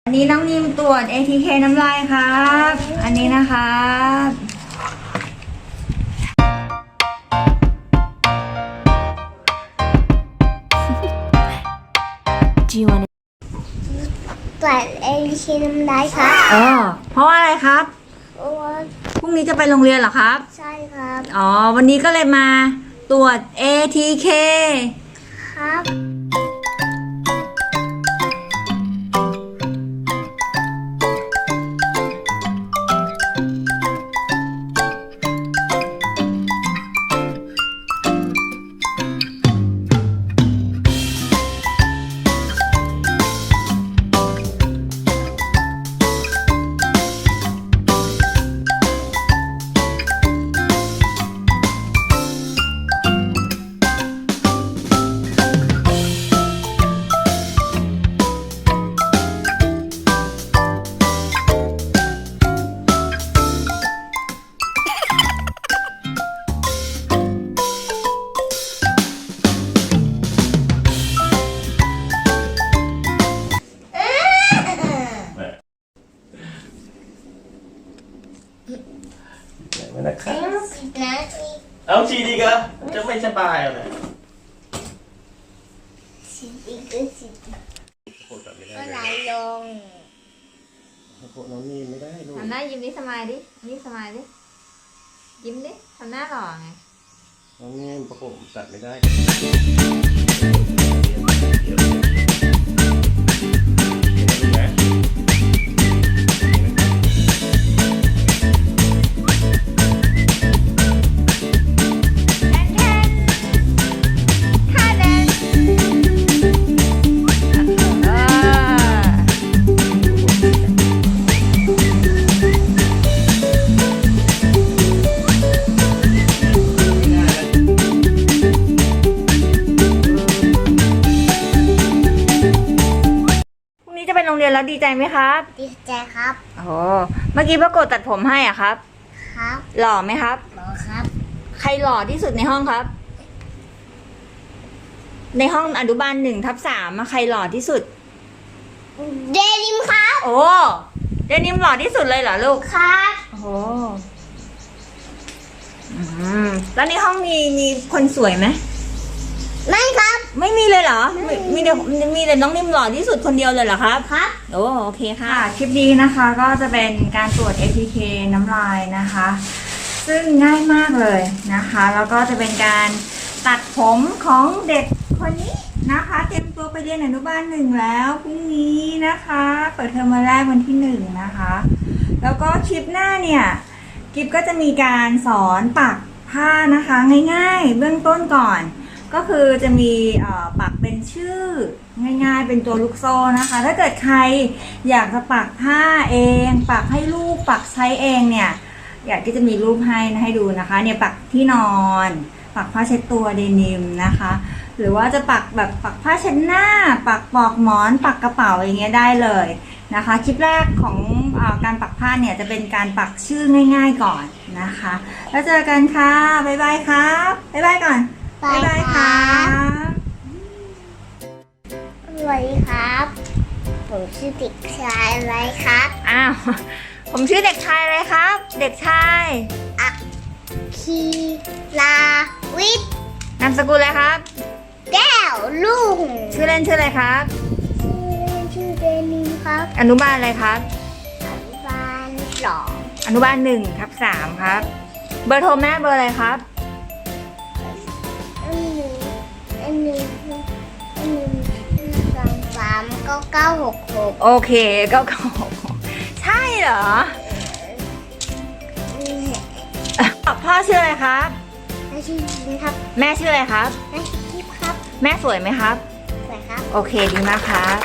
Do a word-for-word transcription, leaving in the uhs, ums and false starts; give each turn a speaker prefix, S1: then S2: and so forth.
S1: อันนี้น้องนิมตรวจ เอ ที เค น้ำลายครับ อันนี้นะคะ
S2: ตรวจ เอ ที เค น้ำลายครับ
S1: เออเพราะว่าอะไรครับ
S2: เพราะว่า
S1: พรุ่งนี้จะไปโรงเรียนเหรอครับ
S2: ใช่ครับ
S1: อ๋อ วันนี้ก็เลยมาตรวจ เอ ที เค
S2: ครับ
S3: นะครับ
S2: สิบนาที
S3: เอาชีดีกะจะไม่สบายอะไร
S2: สิบอีกก็สิบ
S3: โคตรไม่ได้
S2: ก็
S3: เล
S2: ไหล
S3: ย
S2: ลง
S3: โคตรน้องนี่ไม่ได้ลูก
S1: ทำหน้ายิ้มดิสมายดินี่สมายดิยิ้มดิทำหน้าหล่อไง
S3: น้องนี่ประกบตัดไม่ได้นะ
S2: ถ้าเดิน
S1: เออพรุ่งนี้จะไปโรงเรียนแล้วดีใจไหมครับ
S2: ดีใจครับ
S1: โอ้โหเมื่อกี้ป้ากดตัดผมให้อ่ะครับ
S2: ครับ
S1: หล่อไหมครับ
S2: หมอครับ
S1: ใครหล่อที่สุดในห้องครับ ในห้องอนุบาลหนึ่งทับสามใครหล่อที่สุด
S2: เดนิมครับ
S1: โอ้เดนิมหล่อที่สุดเลยเหรอลูก
S2: ครับ
S1: โอ้โหอืมแล้วในห้องมีมีคนสวยไหม
S2: ไม่ครับ
S1: ไม่มีเลยเหรอ มีมีแต่มีแต่น้องนิมหล่อที่สุดคนเดียวเลยเหรอครับ
S2: ครับ
S1: โอ้โอเคค่ะ คลิปนี้นะคะก็จะเป็นการตรวจ เอ ที เค น้ำลายนะคะ ซึ่งง่ายมากเลยนะคะ แล้วก็จะเป็นการตัดผมของเด็กคนนี้นะคะ เตรียมตัวไปเรียนอนุบาลหนึ่งแล้วพรุ่งนี้นะคะ เปิดเทอมวันแรกวันที่หนึ่งนะคะ แล้วก็คลิปหน้าเนี่ยกิฟก็จะมีการสอนปักผ้านะคะง่ายๆ เบื้องต้นก่อน ก็คือจะมีเอ่อปักเป็นชื่อง่ายๆเป็นตัวลูกโซ่นะคะ ถ้าเกิดใครอยากจะปักผ้าเอง ปักให้ลูกปักใช้เองเนี่ยอยากที่จะมีรูปให้นะให้ดูนะคะเนี่ยปักที่นอน ปักผ้าเช็ดตัวเดนิมนะคะ หรือว่าจะปักแบบปักผ้าเช็ดหน้า ปักปลอกหมอน ปักกระเป๋าอย่างเงี้ยได้เลยนะคะคลิปแรกของเออการปักผ้าเนี่ยจะเป็นการปักชื่อง่ายๆก่อนนะคะ แล้วเจอกันค่ะบ๊ายบายครับบ๊ายบายก่อน บ๊ายบายครับ
S2: สวัสดีครับ ผมชื่อเด็กชายอะไรครับ
S1: อ้าว ผมชื่อเด็กชายอะไรครับ เด็กชาย
S2: อักคีลาวิทย์
S1: นามสกุลอะไรครับ
S2: แก้วลุง
S1: ชื่อเล่นชื่ออะไรครับ
S2: ชื่อเล่นชื่อเดนิมครับ
S1: อนุบาลอะไรครับ
S2: อนุบาลสอง
S1: อนุบาลหนึ่งทับสามครับ เบอร์โทรแม่เบอร์อะไรครับ
S2: อันหนึ่งอันหนึ่งอันหนึ่งสองสามเก้าเก้าหกหก
S1: โอเคก็ขอใช่เหรอ พ่อชื่ออะไรครับ
S2: ไม่ชื่อจริงครับ
S1: แม่ชื่ออะไรครับ
S2: ไม่ชื่อทิพย์ครับ
S1: แม่สวยไหมครับ
S2: สวยครับ
S1: โอเคดีมากครับ